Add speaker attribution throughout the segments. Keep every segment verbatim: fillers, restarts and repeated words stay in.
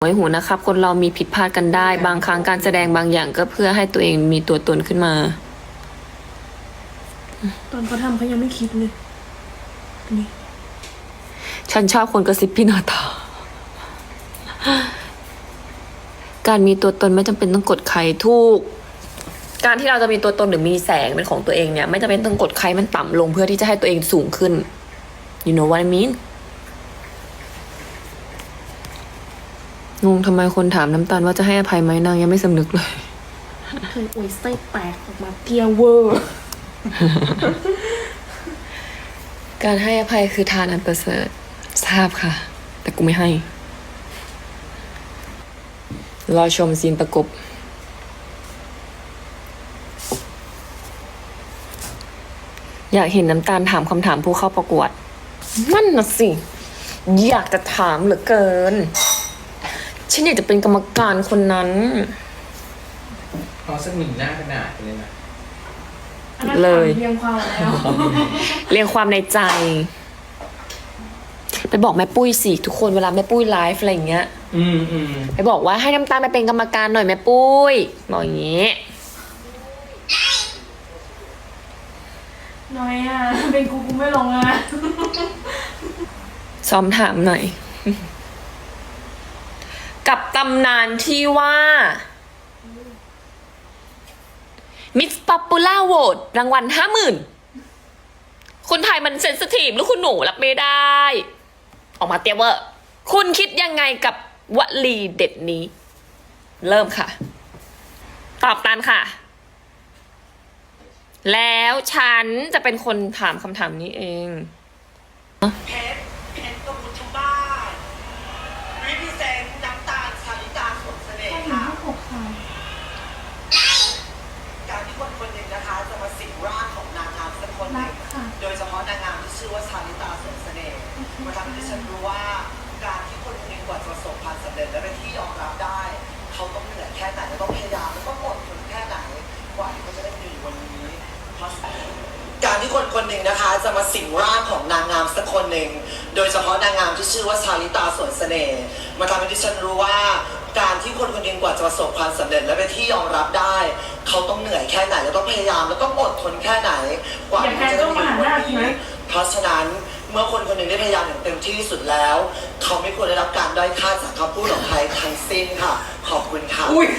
Speaker 1: ไว้หูนะครับคนเรามีผิดพลาดกันได้บางครั้งการแสดงบางอย่างก็เพื่อให้ตัวเองมีตัวตนขึ้นมา
Speaker 2: ตอนเขาทำเขายังไม่คิดเลยนี่
Speaker 1: ฉันชอบคนกระซิบพี่นาตาการมีตัวตนไม่จำเป็นต้องกดใครทุกการที่เราจะมีตัวตนหรือมีแสงเป็นของตัวเองเนี่ยไม่จำเป็นต้องกดใครมันต่ำลงเพื่อที่จะให้ตัวเองสูงขึ้น you know what I mean งงทำไมคนถามน้ำตาลว่าจะให้อภัยไหมนางยังไม่สำนึกเลย
Speaker 2: เคยอวยไส้แตกออกมาเกียร์เวอร์
Speaker 1: การให้อภัยคือทานอันประเสริฐทราบค่ะแต่กูไม่ให้รอชมซีนประกบอยากเห็นน้ำตาลถามคำถามผู้เข้าประกวดนั่นน่ะสิอยากจะถามเหลือเกินฉันอยากจะเป็นกรรมการคนนั้น
Speaker 3: พอสักหนึ่งหน้ากระดาษเลยนะ
Speaker 1: เลย
Speaker 2: เรียงความแล้ว
Speaker 1: เรียงความในใจไปบอกแม่ปุ้ยสิทุกคนเวลาแม่ปุ้ยไลฟ์อะไรอย่างเงี้ย
Speaker 3: อืมอืม
Speaker 1: ไปบอกว่าให้น้ำตาลไปเป็นกรรมการหน่อยแม่ปุ้ยบอกอย่างงี้
Speaker 2: น้อยอ่ะเป็นกูกูไม่ลงอ่ะ
Speaker 1: ซ้อมถามหน่อยกับตำนานที่ว่ามิสป๊อปปูล่าโหวตรางวัลห้าหมื่นคุณไทยมันเซนซิทีฟหรือคุณหนูรับไม่ได้ออกมาเตี้ยเวอร์คุณคิดยังไงกับวลีเด็ดนี้ เริ่มค่ะ ตอบตันค่ะ แล้วฉันจะเป็นคนถามคำถามนี้เอง
Speaker 4: เพชรเพชรกมุทุบ้านรีพิเซนต์น้ำตาลชาลิตาสดเสน่ห์ค่ะการที่คนคนหนึ่งนะคะจะมาสิงร่างของนางงามสักคนหนึ่งโดยเฉพาะนางงามที่ชื่อว่าชาลิตาสดเสน่ห์มันทำให้ดิฉันรู้ว่าการที่คนคนหนึ่งกว่าจะประสบความสำเร็จและเป็นที่ยอมรับได้เขาต้องเหนื่อยแค่ไหนและต้องพยายามและต้องอดทนแค่ไหนกว่าที่เขาจะได้มีวันนี้การที่คนคนหนึ่งนะคะจะมาสิงร่างของนางงามสักคนหนึ่งโดยเฉพาะนางงามที่ชื่อว่าชาลิตาสวนเสน่ห์มันทำให้ดิฉันรู้ว่าการที่คนคนหนึ่งกว่าจะประสบความสำเร็จและเป็นที่ยอมรับได้เขาต้องเหนื่อยแค่ไหนและต้องพยายามและต้องอดทนแค่ไหนกว่าที่จะได้มีวันนี้เพราะฉะนั้นเมื่อคนคนหนึ่งได้พยายามอย่างเต็มที่ที่สุดแล้วเขาไม่ควรได้รับการด้อยค่าจากคำพูดของใครทั้งสิ้นค่ะขอบคุณค่ะ
Speaker 1: อุ้ย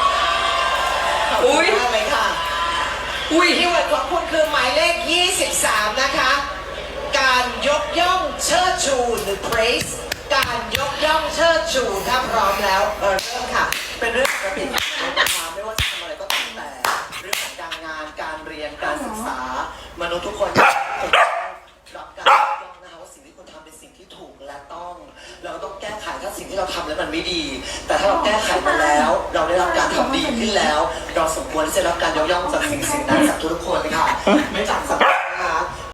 Speaker 4: อุ้ยอะไรค่ะอุ้ยที่วันของคุณคือหมายเลขยี่สิบสามนะคะการยกย่องเชิดชูหรือ praise การยกย่องเชิดชูถ้าพร้อมแล้วเริ่มค่ะเป็นเรื่องปกตินะคะไม่ว่าจะทำอะไรก็ตามแต่เรื่องของการงานการเรียนการศึกษามนุษย์ทุกคนรับการยกย่องนะคะว่าสิ่งที่คุณทำเป็นสิ่งที่ถูกและต้องเราต้องแก้ไขถ้าสิ่งที่เราทำแล้วมันไม่ดีแต่ถ้าเราแก้ไขมาแล้วเราได้รับการทำดีขึ้นแล้วเราสมควรที่จะรับการยกย่องจากสิ่งสิ่งนั้นจากทุกคนเลยค่ะไม่จากสัง